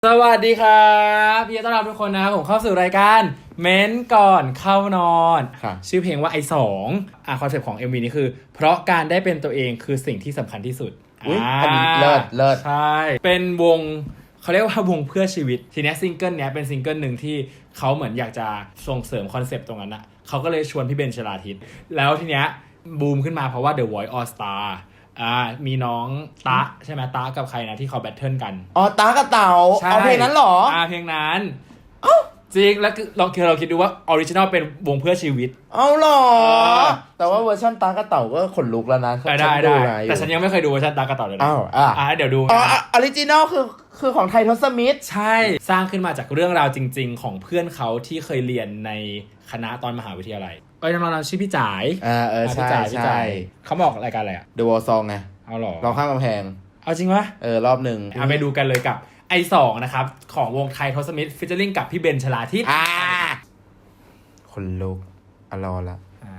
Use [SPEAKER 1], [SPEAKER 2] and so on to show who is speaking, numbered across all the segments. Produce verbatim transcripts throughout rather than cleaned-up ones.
[SPEAKER 1] สวัสดีครับพี่ต้อนรับทุกคนนะครับผมเข้าสู่รายการเม้นก่อนเข้านอนชื่อเพลงว่าไอสองอ่ะคอนเซ็ปต์ของ เอ็ม วี นี้คือเพราะการได้เป็นตัวเองคือสิ่งที่สำคัญที่สุด
[SPEAKER 2] อุ๊ยอันนี้เลิศเลิศ
[SPEAKER 1] ใช่เป็นวงเขาเรียกว่าวงเพื่อชีวิตทีนี้ซิงเกิลเนี้ยเป็นซิงเกิลหนึ่งที่เขาเหมือนอยากจะส่งเสริมคอนเซ็ปต์ตรงนั้นอะเขาก็เลยชวนพี่เบนชลาทิศแล้วทีเนี้ยบูมขึ้นมาเพราะว่า The Voice All Starอ่ามีน้องตะใช่ไหมตะกับใครนะที่เขาแบทเทิลกัน
[SPEAKER 2] อ๋อตากับเต่าเอาเพลงนั้นหรอ
[SPEAKER 1] อ่าเพลงนั้นจริงแล้วคือลองคือเราคิดดูว่าออริจินอลเป็นวงเพื่อชีวิต
[SPEAKER 2] เอาหรอแต่ว่าเวอร์ชันตากับเต่าก็ขนลุกแล้วนะ
[SPEAKER 1] ได้ได้แต่ฉันยังไม่เคยดูเวอร์ชันตากับเต่าเลยนะ
[SPEAKER 2] อ้าวอ่ะ
[SPEAKER 1] อ่าเดี๋ยวดู
[SPEAKER 2] อ๋อออริจินอลคือคือของไททอสมิธ
[SPEAKER 1] ใช่สร้างขึ้นมาจากเรื่องราวจริงๆของเพื่อนเขาที่เคยเรียนในคณะตอนมหาวิทยาลัยเอ้ยน้องๆชื่อพี่จ๋าย
[SPEAKER 2] อ่าเออใช่ใช่
[SPEAKER 1] เขาบอกรายการอะไรอ่ะ
[SPEAKER 2] The Wall Song ไง
[SPEAKER 1] เอาหรอ
[SPEAKER 2] ลองข้ามกำแพง
[SPEAKER 1] เอาจริงวะ
[SPEAKER 2] เออรอบหนึ่ง
[SPEAKER 1] เอาไปดูกันเลยกับไอสองนะครับของวงไททอสมิธฟิชเชอร์ลิงกับพี่เบนชลาทิศ
[SPEAKER 2] อ่าคนลุกอรอละ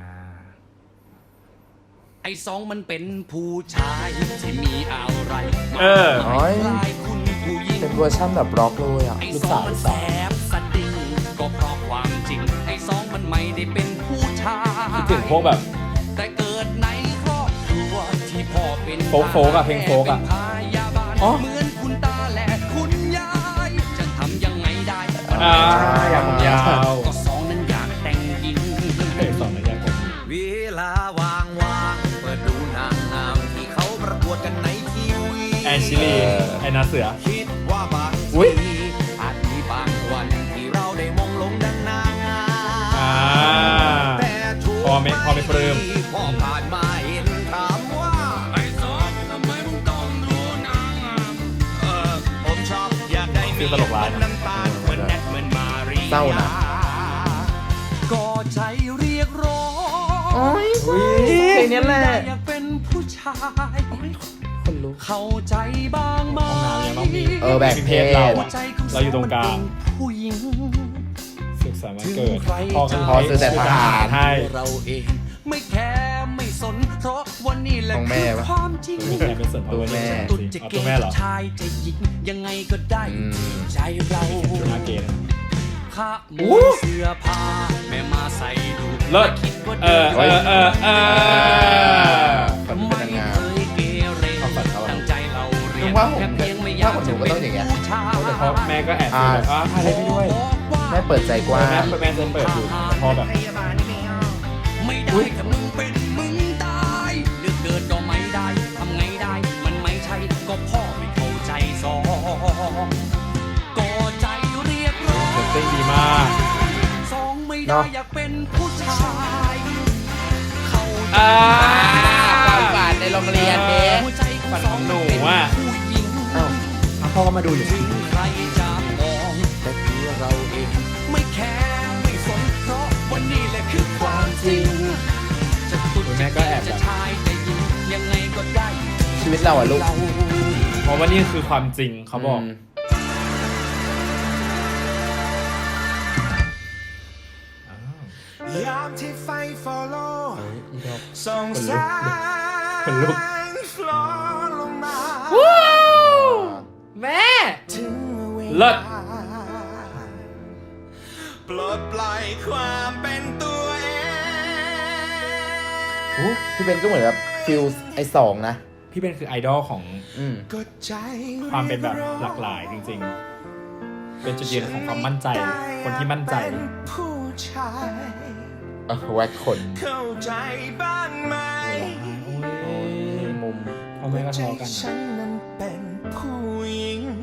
[SPEAKER 3] ไอสองมันเป็นผู้ชายที่มีอะไร
[SPEAKER 1] เออ
[SPEAKER 3] คุณผู้หญิง
[SPEAKER 2] เป็นเวอร์ชันแบบร็อกเลยอ่ะ
[SPEAKER 3] ไอสองมันแสบสดิ่งก็เพราะความจริงไอสองมันไม่ได้เป็นผู้ชาย
[SPEAKER 1] คิดถึงพวกแบบ
[SPEAKER 3] แต่เกิดในครอบครัวที่พ่อเป็น
[SPEAKER 1] โฟกโฟกอะเพลงโฟกอะ
[SPEAKER 3] อ๋อเหมือนคุณตาและคุณยายจะทำยังไงได้
[SPEAKER 1] อ่าอยากผมยาว
[SPEAKER 3] ก็สองนั้นอยากแต่งหญิง
[SPEAKER 1] เพลงสองนั้นอยากผม
[SPEAKER 3] เวลาวางวางเปิดดูนางงามที่เขาประกวดกันในทีวี
[SPEAKER 1] แอนชิลีไอนาเสือ
[SPEAKER 3] คิดว่าบางทีอาจมีบางวันที่เราได้มองลงดังนางงามแต่ทุก
[SPEAKER 1] พอไม่พอไม่ปลื้ม
[SPEAKER 3] พอผ่านมาเห็นถามว่าไอ้สองทำไมมึงต้องดูนางงามเออผมชอบอยากได้มี
[SPEAKER 1] ตลกร้าย
[SPEAKER 3] น้ำตาลเหมือนแนทเหมือนมารี
[SPEAKER 2] เศร้านะ
[SPEAKER 3] ก็ใจเรียกร้อง
[SPEAKER 2] โอ้ยเพลงนี้แหละ
[SPEAKER 3] อยากเป็นผู้ชาย
[SPEAKER 2] คนลุก
[SPEAKER 3] เข้าใจบ้างไหม
[SPEAKER 2] เออแบบ
[SPEAKER 1] เพลงเราอะเราอยู่ตรงกลาง
[SPEAKER 3] ผู้หญิง
[SPEAKER 1] สุขสันต์วันเกิดพ่อ
[SPEAKER 2] พอซื้อแต่ทหาร
[SPEAKER 1] ให้
[SPEAKER 3] เราเองไม่แคร์ไม่สนเพราะวันนี้แหละคือความจริง
[SPEAKER 1] ตัวแม่
[SPEAKER 3] ตุจะเกย์จะชายจะหญิงยังไงก็ได้ใจเราข้าหมูเสื้อผ้าแม่มาใส่ดู
[SPEAKER 1] เลิศเออเออเออเออ
[SPEAKER 3] ไม่เคยเกเรตั้งใจเราเรียนแค่เพียงไม่อยากจะเป็นผู้ชาย
[SPEAKER 1] แต่พอแม่ก็แอบดูแบบอ่าพาเล่นไปด้วย
[SPEAKER 2] แม่เปิดใจกว้าง
[SPEAKER 1] แม่แม่เซนเปิดอยู่พอแบบ
[SPEAKER 3] ไม่ได้ถ้ามึงเป็นมึงตายเลือกเกิดก็ไม่ได้ทำไงได้มันไม่ใช่ก็พ่อไม่เข้าใจสองก็ใจเรียกร้อง
[SPEAKER 1] เต้นดีมาก
[SPEAKER 3] สองไม่ได้อยากเป็นผู้ชายเข้าใจ
[SPEAKER 2] ความฝันในโรงเรียนเด็ก
[SPEAKER 1] ฝันของหนูอ่ะพ่อก็มาดูอยู่
[SPEAKER 3] ใครจะมองแต่ตัวเราเองไม่แคร์ไม่สนเพราะวันนี้แหละคือความจริงจะตุ๊ดจะแก่จะชายจะหญิงยังไงก็ได้
[SPEAKER 2] ชีวิตเราอะลูก
[SPEAKER 1] เพราะว่านี่คือความจริงเขาบอก
[SPEAKER 3] ยามที่ไฟ follow ส่องแสงฟลอลงมา
[SPEAKER 1] แม่เลิศ
[SPEAKER 3] ปลดปล่อยความเป็นตัวเอง
[SPEAKER 2] พี่เบนก็เหมือนแบบฟิลไอสองนะ
[SPEAKER 1] พี่เบนคือไอดอลของความเป็นแบบหลากหลายจริงๆเป็นจุดยืนของความมั่นใจคนที่มั่นใจ
[SPEAKER 2] เออแวกคน
[SPEAKER 3] เข้าใจบ้างไหม
[SPEAKER 1] มุมพ่อแม่ก็ทะเลาะกัน
[SPEAKER 3] ฉันนั้นเป็นผู้หญิง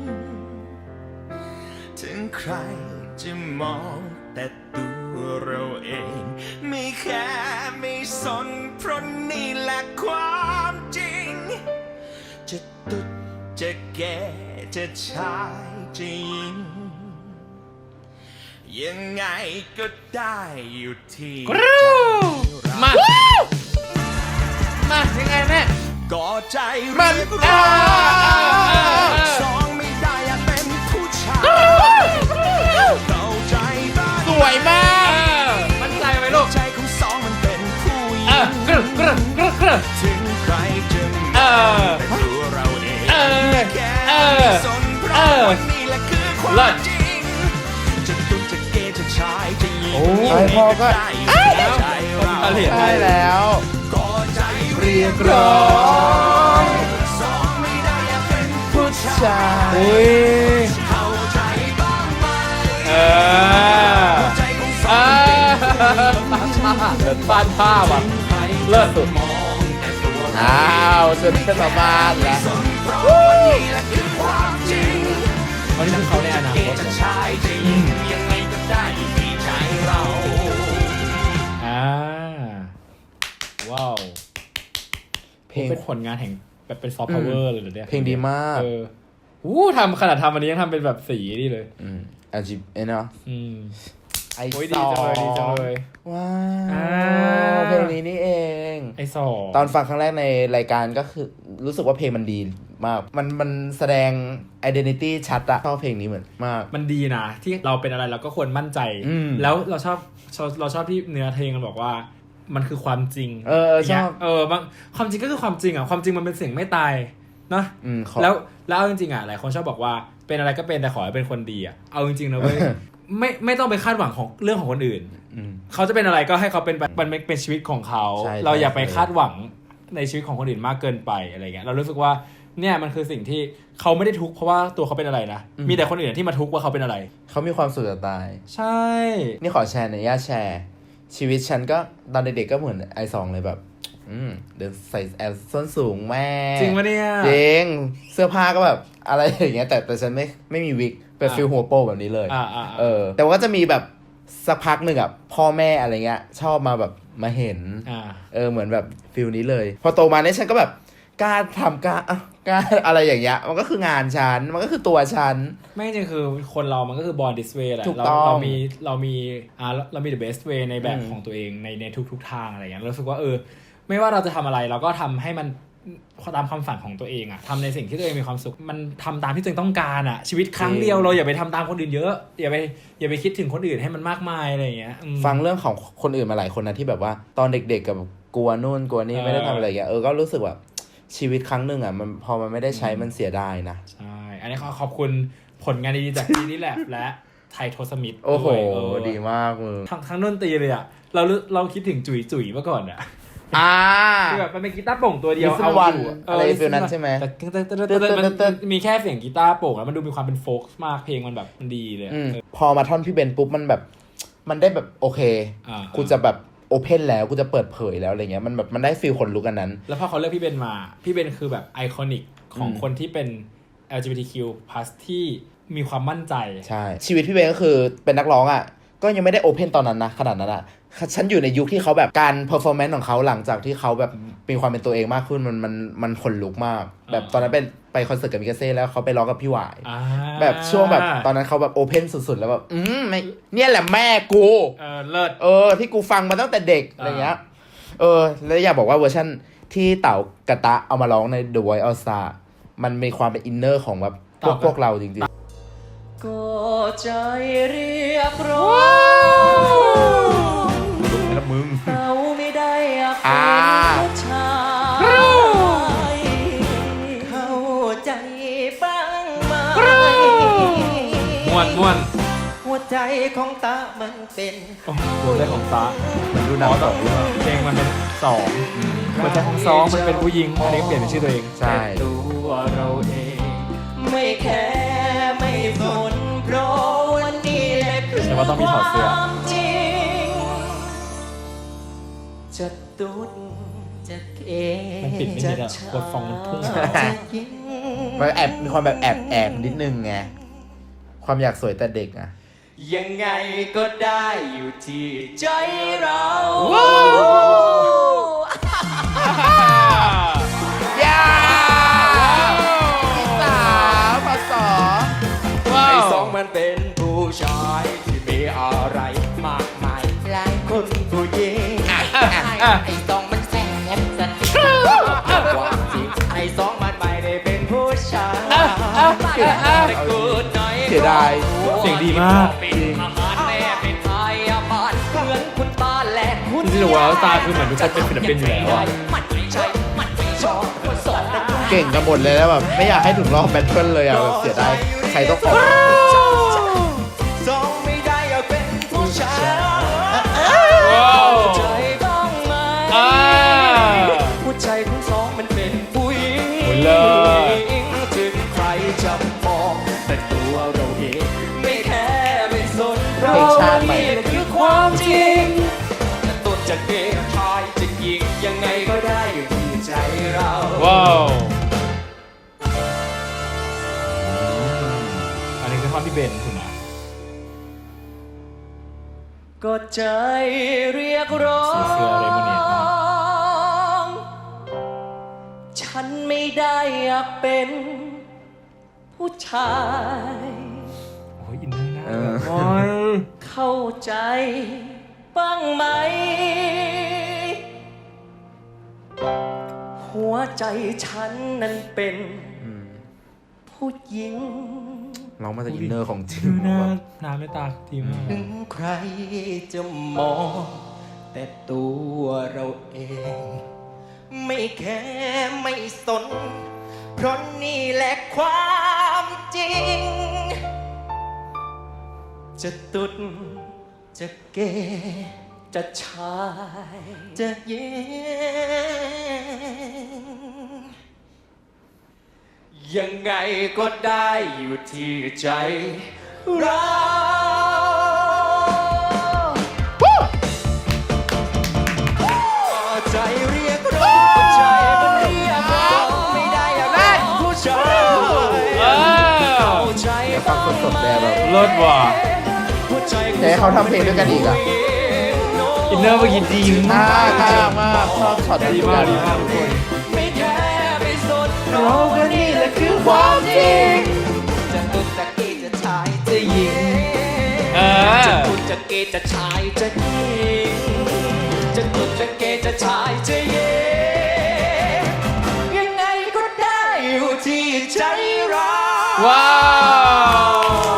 [SPEAKER 3] ถึงใครจะมองแต่ตัวเราเองไม่แค่ไม่สนเพราะนี่แหละความจริงจะตุ๊ดจะแก่จะชายจะหญิงยังไงก็ได้อยู่ที่
[SPEAKER 1] มามายังไงแม่
[SPEAKER 3] ก็ใจมันร้อนสองไม่ได้อยากเป็นผู้ชายเข้าใจบ้าง
[SPEAKER 1] สวยมากมั่นใจไหมลูก
[SPEAKER 3] ใจของสองมันเป็นผู้หญิง
[SPEAKER 1] กรึกรึกรึกรึก
[SPEAKER 3] ถึงใครจะมองแต่ตัวเราเองแค่สนเพราะวันนี้แหละคือความจริงจะตุ้จะเกย์จะชายจะหญิง
[SPEAKER 1] โอ้
[SPEAKER 3] ยังไง
[SPEAKER 2] พ่อก็
[SPEAKER 3] ก็ได้อยู่ในใจเรา
[SPEAKER 2] ใช่แล้ว
[SPEAKER 3] ก็ใจ
[SPEAKER 2] เรียกร้อง
[SPEAKER 3] สองไม่ได้อยากเป็นผู้ชา
[SPEAKER 2] ชาย
[SPEAKER 1] อุ้ย
[SPEAKER 3] เข้าใจบ้างไหม
[SPEAKER 1] เออ
[SPEAKER 3] ใจของส
[SPEAKER 1] เอ
[SPEAKER 3] อง
[SPEAKER 1] อเดินบ้านภาพอ่ะ เลิศสุด
[SPEAKER 3] มองแต่ตัว
[SPEAKER 2] อ้าวจนขึ้นมาบ้านแล้ว
[SPEAKER 3] เพราะวันนี้แหละคือความจริง
[SPEAKER 1] วันนี้คือเขาในอนาคต
[SPEAKER 3] จะชายจะหญิงยังไงก็ได้ที่ใจเรา
[SPEAKER 1] อ่าว้าว
[SPEAKER 2] เพลง
[SPEAKER 1] เป็นผลงานแห่งแบบเป็นซอฟต์พาวเวอร์เลยเหรอเนี่ย
[SPEAKER 2] เพลงดีมาก
[SPEAKER 1] เอออู้ทำขนาดทำวันนี้ยังทำเป็นแบบสีนี่เลย
[SPEAKER 2] อืมอาจิบเอ็นเนาะ
[SPEAKER 1] อืม
[SPEAKER 2] ไอ
[SPEAKER 1] โอ้ย
[SPEAKER 2] ส
[SPEAKER 1] ดี
[SPEAKER 2] อ
[SPEAKER 1] จังเลยดีจัง
[SPEAKER 2] ง
[SPEAKER 1] เลย
[SPEAKER 2] ว้า
[SPEAKER 1] อ่า
[SPEAKER 2] วเพลงนี้นี่เอง
[SPEAKER 1] ไอสอง
[SPEAKER 2] ตอนฟังครั้งแรกในรายการก็คือรู้สึกว่าเพลงมันดีมาก มันมันแสดง identity ชัดอะชอบเพลงนี้เหมือนมาก
[SPEAKER 1] มันดีนะที่เราเป็นอะไรเราก็ควรมั่นใจ
[SPEAKER 2] อืม
[SPEAKER 1] แล้วเราชอบเราเราชอบที่เนื้อเพลงมันบอกว่ามันคือความจริง
[SPEAKER 2] เออชอบ
[SPEAKER 1] เออบางความจริงก็คือความจริงอ่ะความจริงมันเป็นสิ่งไม่ตายเนาะ
[SPEAKER 2] อืมขอ
[SPEAKER 1] แล้วแล้วเอาจริงๆอ่ะหลายคนชอบบอกว่าเป็นอะไรก็เป็นแต่ขอให้เป็นคนดีอ่ะเอาจริงๆนะเว้ย ไม่ไม่ต้องไปคาดหวังของเรื่องของคนอื่น
[SPEAKER 2] อืม
[SPEAKER 1] เขาจะเป็นอะไรก็ให้เขาเป็นแบบมันเป็นชีวิตของเขา
[SPEAKER 2] ใช่
[SPEAKER 1] เราอย่า
[SPEAKER 2] ใช่
[SPEAKER 1] ไปคาดหวังในชีวิตของคนอื่นมากเกินไปอะไรเงี้ยเรารู้สึกว่าเนี่ยมันคือสิ่งที่เขาไม่ได้ทุกข์เพราะว่าตัวเขาเป็นอะไรนะมีแต่คนอื่นที่มาทุกข์ว่าเขาเป็นอะไร
[SPEAKER 2] เขามีความสุขจะตาย
[SPEAKER 1] ใช่
[SPEAKER 2] นี่ขอแชร์หน่อยญาตแชร์ ชีวิตฉันก็ตอนเด็กๆก็เหมือนไอซองเลยแบบ อืมเดินใส่แอลส้นสูงแม่
[SPEAKER 1] จริงปะเนี่ย
[SPEAKER 2] จริงเสื้อผ้าก็แบบอะไรอย่างเงี้ยแต่แต่ฉันไม่ไม่มีวิกเป็น
[SPEAKER 1] อ่า
[SPEAKER 2] ฟิลหัวโปแบบนี้เลย
[SPEAKER 1] อ่าอ่า
[SPEAKER 2] เออ แต่ว่าก็จะมีแบบสักพักหนึ่งอ่ะพ่อแม่อะไรเงี้ย ชอบมาแบบมาเห็น
[SPEAKER 1] อ่า
[SPEAKER 2] เออเหมือนแบบฟิลนี้เลย พอโตมาเนี่ยฉันก็แบบกล้าทำกล้าอ่ะกล้าอะไรอย่างเงี้ยมันก็คืองานฉันมันก็คือตัวฉัน
[SPEAKER 1] ไม่จริงคือคนเรามันก็คือ born this way แหละ
[SPEAKER 2] ถูก
[SPEAKER 1] เรา
[SPEAKER 2] ต้อง
[SPEAKER 1] เรามีเรามีอ่าเรามี the best way ในแบบ
[SPEAKER 2] อืม
[SPEAKER 1] ของตัวเองในในทุกๆทางอะไรอย่างเงี้ยเรารู้สึกว่าเออไม่ว่าเราจะทำอะไรเราก็ทำให้มันตามความฝันของตัวเองอะทำในสิ่งที่ตัวเองมีความสุขมันทำตามที่ตัวเองต้องการอะชีวิตครั้งเดียวเราอย่าไปทำตามคนอื่นเยอะอย่าไปอย่าไปคิดถึงคนอื่นให้มันมากมายอะไรอย่างเงี้ยอืม
[SPEAKER 2] ฟังเรื่องของคนอื่นมาหลายคนนะที่แบบว่าตอนเด็กๆกับกลัวนู่นกลัวนี่
[SPEAKER 1] เออ
[SPEAKER 2] ไม่ได้ทำอะไรอย่างเงี้ยเออก็รู้สึกแบบชีวิตครั้งหนึ่งอ่ะมันพอมันไม่ได้ใช้มันเสียดายนะ
[SPEAKER 1] ใช่อันนี้ขอขอบคุณผลงานดีๆจากทีนี่แหละและไทยโทสมิธ
[SPEAKER 2] โอ้โห
[SPEAKER 1] ด้วยเออ
[SPEAKER 2] ดีมากมึง
[SPEAKER 1] ทั้งทั้งดนตรีเลยอะเราเราคิดถึงจุ๋ยจุ๋ยเมื่อก่อนอะ
[SPEAKER 2] อ่า
[SPEAKER 1] คือแบบมันเป็นกีตาร์โปร่งตัวเดียว
[SPEAKER 2] Listen
[SPEAKER 1] เอาอยู่
[SPEAKER 2] One อะไรฟีลนั้นใช่ไหม
[SPEAKER 1] แต่แต่แต่แต่แต่มันมีแค่เสียงกีตาร์โปร่งแล้วมันดูมีความเป็นโฟล์กมากเพลงมันแบบมันดีเลยอะ
[SPEAKER 2] อืม
[SPEAKER 1] เออ
[SPEAKER 2] พอมาท่อนพี่เบนปุ๊บมันแบบมันได้แบบโอเค
[SPEAKER 1] อ่า
[SPEAKER 2] กูจะแบบโอเพนแล้วกูจะเปิดเผยแล้วอะไรเงี้ยมันแบบมันได้ฟีลคนลุกอันนั้น
[SPEAKER 1] แล้วพอเขาเลือกพี่เบนมาพี่เบนคือแบบไอคอนิกของ
[SPEAKER 2] อืม
[SPEAKER 1] คนที่เป็น แอล จี บี ที คิว พลัส ที่มีความมั่นใจ
[SPEAKER 2] ใช่ ชีวิตพี่เบนก็คือเป็นนักร้องอ่ะก็ยังไม่ได้โอเพนตอนนั้นนะขนาดนั้นอ่ะฉันอยู่ในยุคที่เขาแบบการเพอร์ฟอร์แมนซ์ของเขาหลังจากที่เขาแบบมีความเป็นตัวเองมากขึ้นมันมันมันขนลุกมาก แบบตอนนั้นเป็นไปคอนเสิร์ตกับมิกาเซ่แล้วเขาไปร้องกับพี่หวาย
[SPEAKER 1] อ่า
[SPEAKER 2] แบบช่วงแบบตอนนั้นเขาแบบโอเพนสุดๆแล้วแบบอืมไม่เนี่ยแหละแม่กู
[SPEAKER 1] เออเลิศ
[SPEAKER 2] เออที่กูฟังมาตั้งแต่เด็กอะไรเงี้ยเออแล้วอยากบอกว่าเวอร์ชันที่เต่ากระตะเอามาร้องใน The Voice All Star มันมีความเป็นอินเนอร์ของแบบพวกพวกเราจริง
[SPEAKER 3] ก็ใจเรียกร้อง
[SPEAKER 2] ๆแล้วมึง
[SPEAKER 3] เราไม่ได้อยาก
[SPEAKER 2] อ่า
[SPEAKER 3] เป็นผู้ชายเข้าใจบ้างไหม
[SPEAKER 1] ม่วนม่วน
[SPEAKER 3] หัวใจของตามันเป็น
[SPEAKER 1] โอ้โหได้ของฟ้า
[SPEAKER 2] มันดูหนังสองเรื่อง
[SPEAKER 1] เพลงมันเป็นสองมันจะของสองมันเป็นผู้หญิงอันนี้เปลี่ยนเป็นชื่อตัวเอง
[SPEAKER 2] ใช่
[SPEAKER 3] แต่ตัวเราเอง ไม่แคร์ไม่สนเพราะวันนี้แหละคือ
[SPEAKER 1] แต่ว่าต้องมีถอดเสื้อ
[SPEAKER 3] ความจริงจะตุดจะเก
[SPEAKER 1] มันปิดไม่ได้อะกดฟองมันพุ่ง
[SPEAKER 3] จะยิง
[SPEAKER 2] มันแอบมีความแบบแอบแอบนิดนึงไงความอยากสวยแต่เด็กอ่ะ
[SPEAKER 3] ยังไงก็ได้อยู่ที่ใจเรา
[SPEAKER 2] ย่าอีสาวภาษา
[SPEAKER 1] ว้า
[SPEAKER 3] ไอ้
[SPEAKER 1] ว
[SPEAKER 3] สองมันเป็นผู้ชายที่มีอะไรมากมายหลายคนผู้หญิงไอ้สองมันแสบสันความจริงไอ้สองมันไม่ได้เป็นผู้ชายแต่กูน้อย
[SPEAKER 2] เสียดาย
[SPEAKER 1] เสียงดีมาก
[SPEAKER 3] เป็นอาหารแม่เป็นพยาบาลเหมือนคุณตาและคุณ
[SPEAKER 1] จริงๆ The Voice All Star คือเหมือนทุกคนเป็นศิลปินอยู่แล้วอะ
[SPEAKER 3] มันไม่ใช่มันไม่ชอบคนสอนนะ
[SPEAKER 2] เก่งกันหมดเลยแล้วแบบไม่อยากให้ถึงรอบแบทเทิลเลยอ่ะแบบเสียดายใครต้องออก
[SPEAKER 3] ไม่แค่ไม่สน
[SPEAKER 2] เพลงชาติใหม่
[SPEAKER 3] นี่คือความจริงจะต้นจะเกย์ชายจะหญิงยังไงก็ได้อยู่ที่ใจเรา
[SPEAKER 1] ว้าวอันนี้คือท่อนพี่เบนถูกไหม
[SPEAKER 3] ก็ใจเรียกร้อง
[SPEAKER 1] เสื้อเรโมเนตมาก
[SPEAKER 3] ฉันไม่ได้อยากเป็นผู้ชาย
[SPEAKER 1] โอ้ยอินเนอร์น่า
[SPEAKER 2] เออ
[SPEAKER 1] โอ้ย
[SPEAKER 3] เข้าใจบ้างไหม หัวใจฉันนั้นเป็นผู้หญิง
[SPEAKER 2] ร้องมาจากอินเนอร์ของจริง
[SPEAKER 1] ดูหน้า
[SPEAKER 2] แบบ
[SPEAKER 1] หน้าไม่ตาดีมาก
[SPEAKER 3] ถึงใครจะมอง แต่ตัวเราเอง ไม่แค่ไม่สน เพราะนี่แหละความจริง จะตุดจะเกจะชายจะหญิงยังไงก็ได้อยู่ที่ใจเราใจเรียกร้องใจมันเรียกร้องไม่ได้อยากเป็นผู้ชายเข้าใจ
[SPEAKER 2] อยากฟังสดๆแบบแบบ
[SPEAKER 1] เลิศว่ะ
[SPEAKER 2] อยากให้เขาทำเพลงด้วยกันอีกอ่ะ
[SPEAKER 1] อินเนอร์เมื่อกี้ดี
[SPEAKER 2] น่าม
[SPEAKER 1] าก
[SPEAKER 2] น่ามากชอบช็อตนั้น
[SPEAKER 1] ดี
[SPEAKER 2] เหมือน
[SPEAKER 1] มา
[SPEAKER 2] กั
[SPEAKER 1] ก
[SPEAKER 2] น
[SPEAKER 1] ดีมากทุกคน
[SPEAKER 3] ไม่แค่ไม่สนเราก็นี่แหละคือความจริงจะตุดจะเกย์จะชายจะหญิง
[SPEAKER 1] เออ
[SPEAKER 3] จะตุดจะเกย์จะชายจะหญิงจะตุดจะเกย์จะชายจะหญิงยังไงก็ได้อยู่ที่ใจเรา
[SPEAKER 1] ว้าว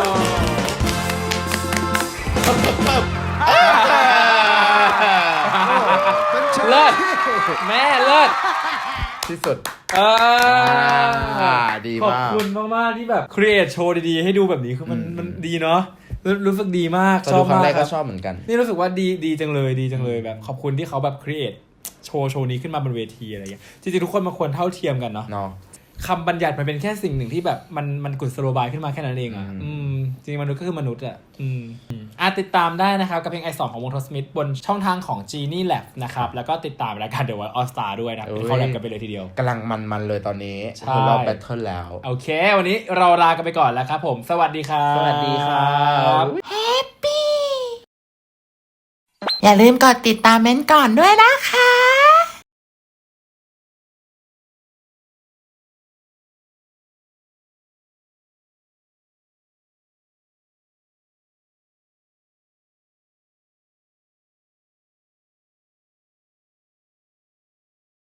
[SPEAKER 1] เลิศแม่เลิศ
[SPEAKER 2] ที่สุด
[SPEAKER 1] เออ
[SPEAKER 2] อ่าดีมาก
[SPEAKER 1] ขอบคุณมาก ๆ ที่แบบครีเอทโชว์ดี ๆ ให้ดูแบบนี้คือมัน
[SPEAKER 2] อืม
[SPEAKER 1] มันดีเนาะรู้รู้สึกดีมาก
[SPEAKER 2] ตอน
[SPEAKER 1] ชอ
[SPEAKER 2] ดู
[SPEAKER 1] บ
[SPEAKER 2] ครั้
[SPEAKER 1] มาง ก
[SPEAKER 2] แรก
[SPEAKER 1] ค
[SPEAKER 2] ก็
[SPEAKER 1] รับ
[SPEAKER 2] ชอบเหมือนกัน
[SPEAKER 1] นี่รู้สึกว่าดีดีจังเลยดีจังเลยแบบขอบคุณที่เขาแบบครีเอทโชว์โชว์นี้ขึ้นมาบนเวทีอะไรอย่างเงี้ยจริงๆทุกคนมันควรเท่าเทียมกันเนาะ
[SPEAKER 2] เนาะ
[SPEAKER 1] คำบัญญัติมันเป็นแค่สิ่งหนึ่งที่แบบมันมันกุศโลบายขึ้นมาแค่นั้นเองอ่ะ
[SPEAKER 2] อืม
[SPEAKER 1] อืมจริงๆมนุษย์ก็คือมนุษย์อ่ะอืมอ่ะติดตามได้นะครับกับเพลงไอสองของวงทอสมิธบนช่องทางของ Genie Lab นะครับแล้วก็ติดตามรายการ The Voice All Star ด้วยนะเป็นเข้าแลบกันไปเลยทีเดียว
[SPEAKER 2] กำลังมันๆเลยตอนนี้
[SPEAKER 1] ใช่
[SPEAKER 2] คือรอบแบทเทิลแล้ว
[SPEAKER 1] โอเค วันนี้เราลากันไปก่อนแล้วครับผม สวัสดีครับ
[SPEAKER 2] สวัสดีครับ
[SPEAKER 4] อย่าลืมกดติดตามเม้นท์ก่อนด้วยนะคะ